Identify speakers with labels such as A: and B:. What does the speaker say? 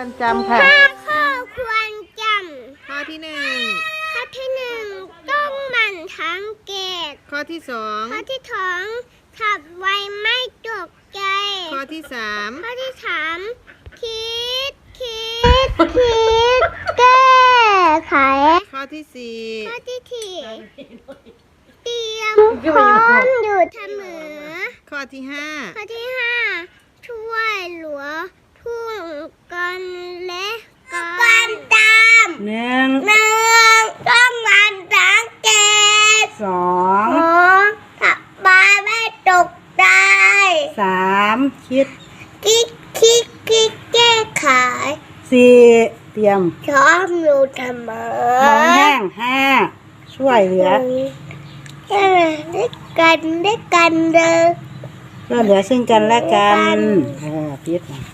A: รจำค่ะ
B: ข้อควรจำ
A: ข้อที่1
B: ข้อที่ต้องหมั่นสังเกต
A: ข้อที่
B: ข้อที่ขับไวไม่ตกใจ
A: ข้อที่
B: ข้อที่คิดแก้ไข
A: ข้อที่
B: ข้อที่เตรียมพร้อมอยู่เสมอ
A: ข้อที่
B: ข้อที่ช่วยเหลือทุกกันและกันตามต้องมันสังเกตขับไวไม่ตกใจ
C: คิด
B: แก้ไข
C: เตรียม
B: พร้อมอยู่เสมอ
C: มองแห้งช่วยเหลือ
B: ด้วยกันเด้อ
C: ช่วยเหลือซึ่งกันและกันพิษ